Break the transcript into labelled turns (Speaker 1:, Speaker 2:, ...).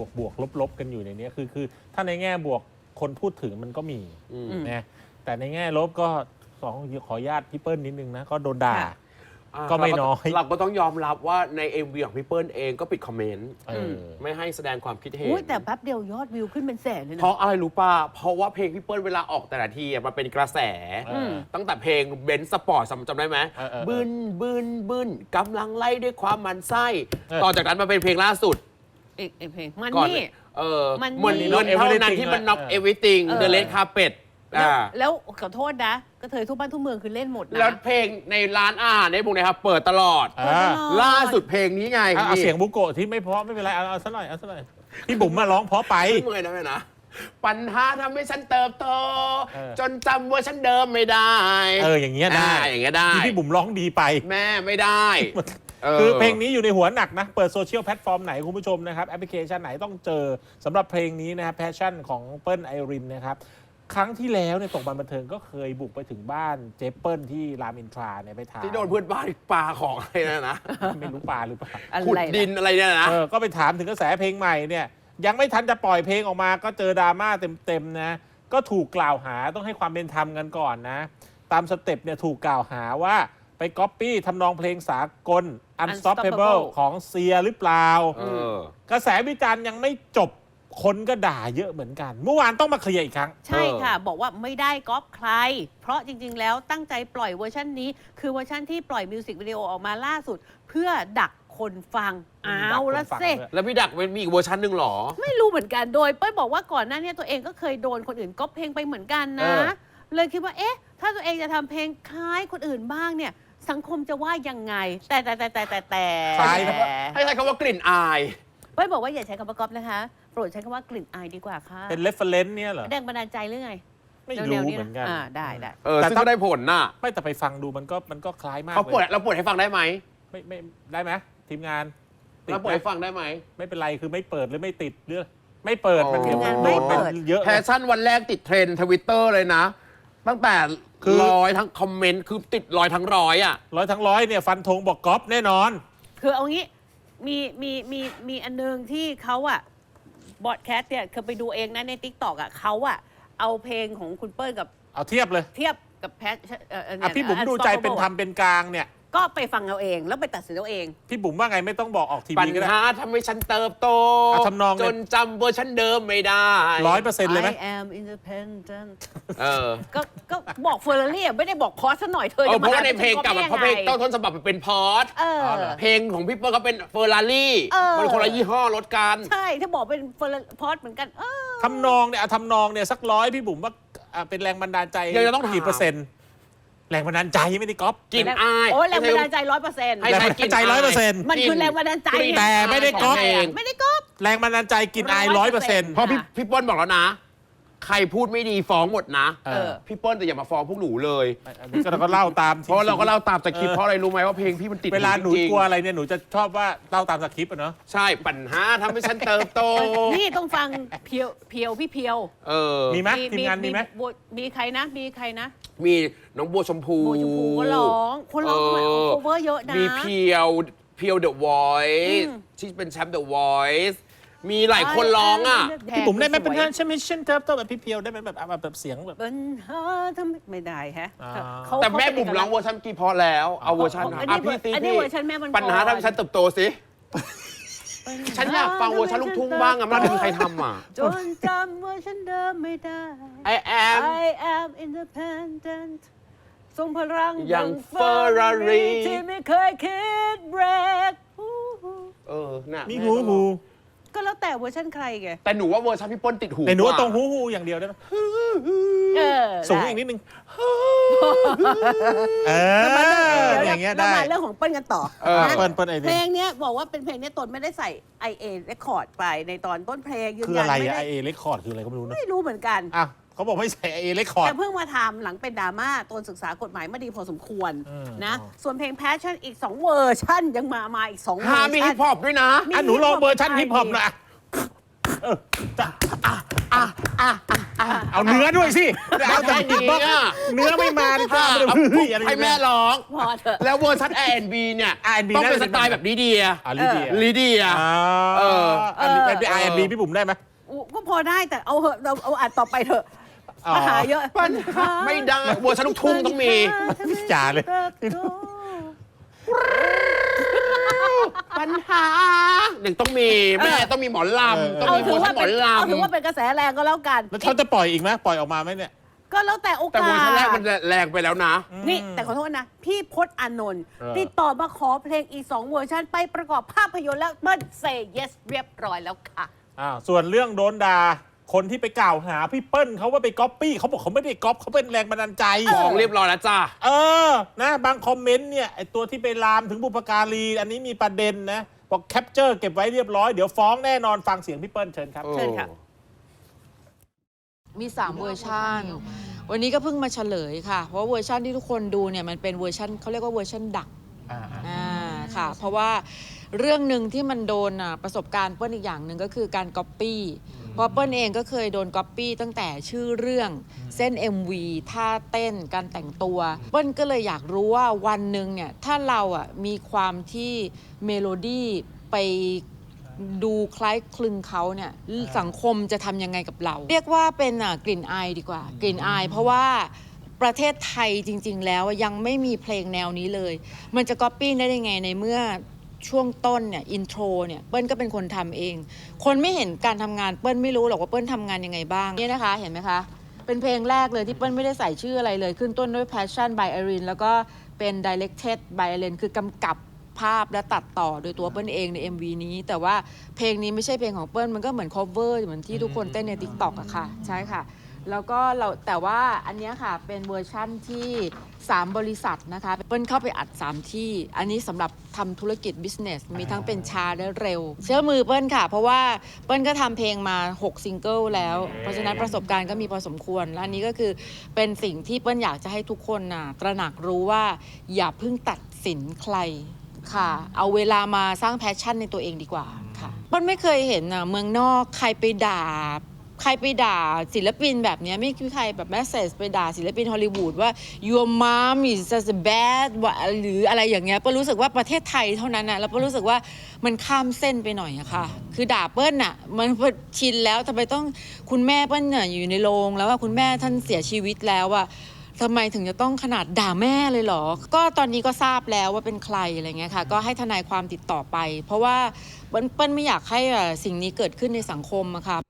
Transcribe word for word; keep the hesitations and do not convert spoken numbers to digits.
Speaker 1: วกบวกลบลบกันอยู่ในนี้คือคือถ้าในแง่บวกคนพูดถึงมันก็มีนะแต่ในแง่ลบก็สองขออนุญาตพี่เปิ้ลนิดนึงนะก็โดนด่าก็ไม่น้อย
Speaker 2: เราก็ต้องยอมรับว่าใน เอ็ม วี ของพี่เปิ้ลเองก็ปิดคอมเมนต์ไม่ให้แสดงความคิดเห็น
Speaker 3: แต่แป๊บเดียวยอดวิวขึ้นเป็นแสนเลยนะ
Speaker 2: เพราะอะไรรู้ป่ะเพราะว่าเพลงพี่เปิ้ลเวลาออกแต่ละทีมันเป็นกระแสตั้งแต่เพลงเบนซ์สปอร์ตจำได้ไหมบึนบึนบึนกำลังไล่ด้วยความมันไส้ต่อจากนั้นมาเป็นเพลงล่าสุด
Speaker 3: อีกเพลงมันนี่
Speaker 2: เออมันเงินเท่านั้นที่มันน็อกเอวิติงเดอะเลดคาร์เพ็ต
Speaker 3: แล้วขอโทษนะกระเทยทุกบ้านทุกเมืองคือเล่นหมดนะ
Speaker 2: แล้วเพลงในร้านอาหารในพวกนี้ครับเปิดตลอดล่าสุดเพลงนี้ไง
Speaker 1: เอาเสียงบุโกะที่ไม่เพราะไม่เป็นไรเอาเอาซะหน่อยเอาซะหน่อยพี่บุ๋มมาร้องเพราะไป
Speaker 2: เมื่อยนะแม่นะปัญหาทำให้ฉันเติบโตจนจำว่าฉันเดิมไม่ได้
Speaker 1: เอออย่างเงี้ยได้
Speaker 2: อย่างเงี้ยได้
Speaker 1: พี่บุ๋มร้องดีไป
Speaker 2: แม่ไม่ได้
Speaker 1: คือเพลงนี้อยู่ในหัวหนักนะเปิดโซเชียลแพลตฟอร์มไหนคุณผู้ชมนะครับแอปพลิเคชันไหนต้องเจอสำหรับเพลงนี้นะครับแพชชั่นของเปิ้ลไอรินนะครับครั้งที่แล้วในตกบันบันเทิงก็เคยบุกไปถึงบ้านเจเปิลที่รามอินทราเนี่ยไปถาม
Speaker 2: ที่โดนเพื่อนบ้านปลาของอะไรนะนะ
Speaker 1: ไม่รู้ปลาหรือเปล่า
Speaker 2: ขุดดินอะไรเนี่ยนะ
Speaker 1: เออก็ไปถามถึงกระแสเพลงใหม่เนี่ยยังไม่ทันจะปล่อยเพลงออกมาก็เจอดราม่าเต็มๆนะก็ถูกกล่าวหาต้องให้ความเป็นธรรมกันก่อนนะตามสเต็ปเนี่ยถูกกล่าวหาว่าไปก๊อปปี้ทำนองเพลงสากล Unstoppable ของเซียหรือเปล่ากระแสวิจารณ์ยังไม่จบคนก็ด่าเยอะเหมือนกันเมื่อวานต้องมาเคลียร์อีกครั้ง
Speaker 3: ใช่ค่ะบอกว่าไม่ได้ก๊อปใครเพราะจริงๆแล้วตั้งใจปล่อยเวอร์ชันนี้คือเวอร์ชันที่ปล่อยมิวสิกวิดีโอออกมาล่าสุดเพื่อดักคนฟังอ้าวแล้วเซ่
Speaker 2: แล้วพี่ดักมีอีกเวอร์ชันหนึ่งหรอ
Speaker 3: ไม่รู้เหมือนกันโดยเป้ยบอกว่าก่อนหน้านี้ตัวเองก็เคยโดนคนอื่นก๊อปเพลงไปเหมือนกันนะเลยคิดว่าเอ๊ะถ้าตัวเองจะทำเพลงคล้ายคนอื่นบ้างเนี่ยสังคมจะว่ายังไงแต่แต่แต่แต่แต่แต่
Speaker 2: ให้ใช้คำว่ากลิ่นอาย
Speaker 3: เป้ยบอกว่าอย่าใช้คำว่าก๊อปนะคะโปรดใช้คำว่ากลิ่นอายดีกว่าค่ะ
Speaker 1: เป็นเรฟเฟรนซ์เนี่ยเหรอ
Speaker 3: แรงบันดาลใจหรือไง
Speaker 1: ไม่รู้เหมือนกัน
Speaker 3: อ่าได้ได้
Speaker 2: เออซึ่งก็ได้ผลน่ะ
Speaker 1: ไม่แต่ไปฟังดูมันก็มันก็คล้ายมาก
Speaker 2: เขาเปิดเราเปิดให้ฟังได้ไหม
Speaker 1: ไม่ไม่ได้ไหมทีมงาน
Speaker 2: เราเปิดให้ฟังได้ไหม
Speaker 1: ไม่เป็นไรคือไม่เปิดหรือไม่ติดเรื่องไม่เปิดมัน
Speaker 3: งานไม่เปิด
Speaker 2: เยอะแพชชั่นวันแรกติดเทรนด์ทวิตเตอร์เลยนะตั้งแต่ร้อยทั้งคอมเมนต์คือติดร้อยทั้งร้อยอ่ะ
Speaker 1: ร้อยทั้งร้อยเนี่ยฟันธงบอกก๊อปแน่นอน
Speaker 3: คือเอางี้มีมีมีมีอันนึงที่เขาอะบอดแคสต์เนี่ยเคยไปดูเองนะใน ติ๊กต็อก อ่ะเขาอะเอาเพลงของคุณเปิ้ลกับ
Speaker 1: เอาเทียบเลย
Speaker 3: เทียบกับแพท
Speaker 1: อ่ะพี่บุ๋มดูใจเป็นธรรมเป็นกลางเนี่ย
Speaker 3: ก็ไปฟังเอาเองแล้วไปตัดสินเอาเอง
Speaker 1: พี่บุ๋มว่าไงไม่ต้องบอกออกทีวีก็ได้
Speaker 2: ปัญหาทำให้ฉันเติบโต
Speaker 1: ทำนอง
Speaker 2: จนจำเวอร์ชันเดิมไม่ได้
Speaker 1: ร้อยเปอร์เซ็นต์เลยไหม
Speaker 3: I am independent เออก็ก็บอกเฟอร์รารี่ไม่ได้บอกพอสซะหน่อยเธอ
Speaker 2: จะมาเพราะว่าในเพลงกับเพราะเพลงต้นต้นฉบับมันเป็นพอสเพลงของพี่เปิ้ลเขาเป็นเฟอร์รารี่มันคนละยี่ห้อรถกัน
Speaker 3: ใช่ถ้าบอกเป็นเฟอร์พอสเหมือนกัน
Speaker 1: ทำนองเนี่ยทำนองเนี่ยสักร้อยพี่บุ๋มว่าเป็นแรงบันดาลใจ
Speaker 2: ยังจะต้อง
Speaker 1: กี่เปอร์เซ็นต์แรงบันดาลใจไม่ได้ก๊อป
Speaker 2: กินอาย
Speaker 3: โอ้แรงบันดาลใจร้อยเปอร์เซ็นต์
Speaker 1: แรงบันดาลใจร้อยเปอร์เซ็นต์
Speaker 3: มันคือแรงบันดาลใจ
Speaker 1: แต่ไม่ได้ก๊อป
Speaker 3: ไม่ได้ก๊อป
Speaker 1: แรงบันดาลใจกินอายร้อยเปอร์เซ็นต์
Speaker 2: เพราะพี่พี่เปิ้ลบอกแล้วนะใครพูดไม่ดีฟ้องหมดนะพี่เปิ้ลแต่อย่ามาฟ้องพวกหนูเลย
Speaker 1: เราก็เล่าตาม
Speaker 2: เพราะเราก็เล่าตามสคริปต์เพราะอะไรรู้ไหมว่าเพลงพี่มันติด
Speaker 1: เวลาหนูกลัวอะไรเนี่ยหนูจะชอบว่าเล่าตามสคริปต์อะเนาะ
Speaker 2: ใช่ปัญหาทำให้ฉันเติบโต
Speaker 3: นี่ต้องฟังเพียวเพียวพี่เพียว
Speaker 2: เออ
Speaker 1: มีไหมทีมงานมีไหม
Speaker 3: มีใครนะมีใครนะ
Speaker 2: มีน้องบัวชมพู
Speaker 3: บัวชมพูก็ร้องคนร้องโคเวอร์เยอะนะ
Speaker 2: มีเพียวเพียวเดอะวอยซ์ที่เป็นแชมป์เดอะวอยซ์มีหลายคนร้องอ่ะ
Speaker 1: พี่บุ๋มได้ไหมเป็นท่านใช่ไหมเช่นเติบโตแบบพี่เพียวได้ไหมแบบแบบเสียงแบบ
Speaker 3: ปัญหาทำไม่ได้ฮะ
Speaker 2: แต่แม่บุ๋มร้องเวอร์ชันกี่พอแล้วเอาเวอร์ชันอ่ะพี่ซีพี่ปัญหาทำให้ฉันเติบโตสิฉันอยากฟังเวอร์ชันลูกทุ่งบ้างอะมันไม่มีใครทำอ่ะ
Speaker 3: จนจำว่าฉันเดิมไม่ได้
Speaker 2: I am
Speaker 3: I am independent ทรงพลัง
Speaker 2: อย่างเฟอร์รารี่
Speaker 3: ที่ไม่เคยคิดเบรก
Speaker 2: เออน่ะ
Speaker 1: มีหูหู
Speaker 3: ก็แล้วแต่เวอร์ชันใครไง
Speaker 2: แต่หนูว่าเวอร์ชันพี่เปิ้ลติดหู
Speaker 1: แต่หนูตรงหูหูอย่างเดียวได้ไหมสูงอีกนิดนึงเอออย่างเงี้ยได้
Speaker 3: มาเรื่องของเปิ้ลกันต่อ
Speaker 1: เปิ้ลเปิ้ลไอ
Speaker 3: เพลงนี้บอกว่าเป็นเพลงนี้ตนไม่ได้ใส่ ไอ เอ Record ไปในตอนต้นเพลงยืน
Speaker 1: ยันไม่ได้ ไอ เอ Record คืออะไรก็ไม่รู้นะ
Speaker 3: ไม่รู้เหมือนกัน
Speaker 1: อ่ะเขาบอกไม่ใส่ ไอ เอ Record
Speaker 3: แต่เพิ่งมาทำหลังเป็นดราม่าตนศึกษากฎหมายมาดีพอสมควรนะส่วนเพลง Passion อีกสองเวอร์ชันยังมามาอีกสองเวอร์ชัน
Speaker 2: มีฮิปฮอปด้วยนะ
Speaker 1: อ่ะหนูลองเวอร์ชันฮิปฮอปหน่อย
Speaker 2: อ่ะอ่ะอ่ะอ่ะ
Speaker 1: เอาเนื้อด้วยสิเอาแต่ดิบบ้างเนื้อไม่มาดิจ้า
Speaker 2: เอา
Speaker 1: เฮ้ยอะไร
Speaker 2: ให้แม่ร้อง
Speaker 3: พอเถอะ
Speaker 2: แล้วเวอร์ชัน อาร์ แอนด์ บี เนี่ย
Speaker 1: อาร์ แอนด์ บี
Speaker 2: ต้องเป็น
Speaker 1: น่า
Speaker 2: ส
Speaker 1: จะเป็น
Speaker 2: ไตล์แบบลิเดีย
Speaker 1: อ่าลิเดีย
Speaker 2: ลิเดีย
Speaker 1: อ่า
Speaker 2: เออ
Speaker 1: อันนี้เป็นไอแอนบีพี่บุ๋มได้ไหม
Speaker 3: อุ๊ก็พอได้แต่เอาเหอะเราเอาอัดต่อไปเถอะ
Speaker 1: อ๋อ
Speaker 3: ปัญหาเยอะ
Speaker 2: ปัญหาไม่ได้เวอร์ชันลูกทุ่งต้องมี
Speaker 1: จ่าเลย
Speaker 2: ปัญหาอย่างต้องมีแม่ต้องมีหมอลำต้อง
Speaker 3: เอา
Speaker 2: มี
Speaker 3: ถื
Speaker 2: เวอ
Speaker 3: อ
Speaker 2: ร์ชั
Speaker 3: ว่าน
Speaker 2: หม
Speaker 3: เป็
Speaker 2: อน ล
Speaker 3: เอาถือว่าเป็นกระแสแรงก็แล้วกัน
Speaker 1: แล้วเขาจะปล่อยอีกไหมปล่อยออกมาไหมเนี่ย
Speaker 3: ก็แล้วแต่โอ
Speaker 2: ำแต่
Speaker 3: กา
Speaker 2: เวอร์ชันแรก
Speaker 3: ส
Speaker 2: มันแรงไปแล้วนะ
Speaker 3: นี่แต่ขอโทษนะ พี่พจน์อานนท์
Speaker 1: เออ
Speaker 3: ติดต่อมาขอเพลงอีกสองเวอร์ชันไปประกอบภาพยนตร์แล้วเปิ้ลเซย์ yes เรียบร้อยแล้วค่ะ
Speaker 1: อ่าส่วนเรื่องโดนด่าคนที่ไปกล่าวหาพี่เปิ้ลเขาว่าไปก๊อปปี้เขาบอกเขาไม่ได้ก๊อปเขาเป็นแรงบันดาลใจ
Speaker 2: ฟ้องเรียบร้อยแล้วจ้า
Speaker 1: เออ นะ บางคอมเมนต์เนี่ยไอตัวที่ไปลามถึงบุพการี อันนี้มีประเด็นนะ บอกแคปเจอร์เก็บไว้เรียบร้อย เดี๋ยวฟ้องแน่นอนฟังเสียงพี่เปิ้ลเชิญครับ
Speaker 3: เชิญค่ะ
Speaker 4: มีสามเวอร์ชันวันนี้ก็เพิ่งมาเฉลยค่ะ เพราะว่าเวอร์ชันที่ทุกคนดูเนี่ยมันเป็นเวอร์ชันเขาเรียกว่าเวอร์ชันดักอ่าค่ะ เพราะว่าเรื่องหนึ่งที่มันโดนอ่ะประสบการณ์เปิ้ลอีกอย่างหนึ่งก็คือการก๊อปปี้เพราะเปิ้ลเองก็เคยโดนก๊อปปี้ตั้งแต่ชื่อเรื่องเส้น เอ็ม วี ท่าเต้นการแต่งตัวเปิ้ลก็เลยอยากรู้ว่าวันหนึ่งเนี่ยถ้าเราอ่ะมีความที่เมโลดี้ไปดูคล้ายคลึงเขาเนี่ยสังคมจะทำยังไงกับเรา เรียกว่าเป็นอ่ะกลิ่นอายดีกว่ากลิ่นอาย เพราะว่าประเทศไทยจริง ๆ แล้วยังไม่มีเพลงแนวนี้เลย มันจะก๊อปปี้ได้ยังไงในเมื่อช่วงต้นเนี่ยอินโทรเนี่ยเปิ้ลก็เป็นคนทำเอง คนไม่เห็นการทำงานเปิ้ลไม่รู้หรอกว่าเปิ้ลทำงานยังไงบ้างเนี่ยนะคะเห็นไหมคะ เป็นเพลงแรกเลยที่เปิ้ลไม่ได้ใส่ชื่ออะไรเลย ขึ้นต้นด้วย Passion by Irene แล้วก็เป็น Directed by Irene คือกำกับภาพและตัดต่อโดยตัวเปิ้ลเองใน เอ็ม วี นี้ แต่ว่าเพลงนี้ไม่ใช่เพลงของเปิ้ลมันก็เหมือน cover เหมือนที่ทุกคนเต้นใน TikTok อะค่ะ ใช่ค่ะ แล้วก็เราแต่ว่าอันเนี้ยค่ะเป็นเวอร์ชั่นที่สามบริษัทนะคะเปิ้ลเข้าไปอัดสามที่ อันนี้สำหรับทำธุรกิจ business มีทั้งเป็นช้าและเร็ว เชื่อมือเปิ้ลค่ะ เพราะว่าเปิ้ลก็ทำเพลงมาหกซิงเกิลแล้ว เพราะฉะนั้นประสบการณ์ก็มีพอสมควรและอันนี้ก็คือเป็นสิ่งที่เปิ้ลอยากจะให้ทุกคนน่ะตระหนักรู้ว่าอย่าเพิ่งตัดสินใครค่ะ เอาเวลามาสร้างแพชชั่นในตัวเองดีกว่าค่ะเปิ้ลไม่เคยเห็นน่ะเมืองนอกใครไปด่า ใครไปด่าศิลปินแบบนี้ไม่มีใครแบบแมสเซจไปด่าศิลปินฮอลลีวูดว่า your mom is just bad หรืออะไรอย่างเงี้ยเปิ้ลรู้สึกว่าประเทศไทยเท่านั้นนะแล้วเปิ้ลรู้สึกว่ามันข้ามเส้นไปหน่อยอะค่ะคือด่าเปิ้ลน่ะมันชินแล้วทำไมต้องคุณแม่เปิ้ลเนี่ยอยู่ในโรงแล้วว่าคุณแม่ท่านเสียชีวิตแล้วอะทำไมถึงจะต้องขนาดด่าแม่เลยเหรอก็ตอนนี้ก็ทราบแล้วว่าเป็นใครอะไรเงี้ยค่ะก็ให้ทนายความติดต่อไป เพราะว่าเปิ้ลไม่อยากให้สิ่งนี้เกิดขึ้นในสังคมอะค่ะ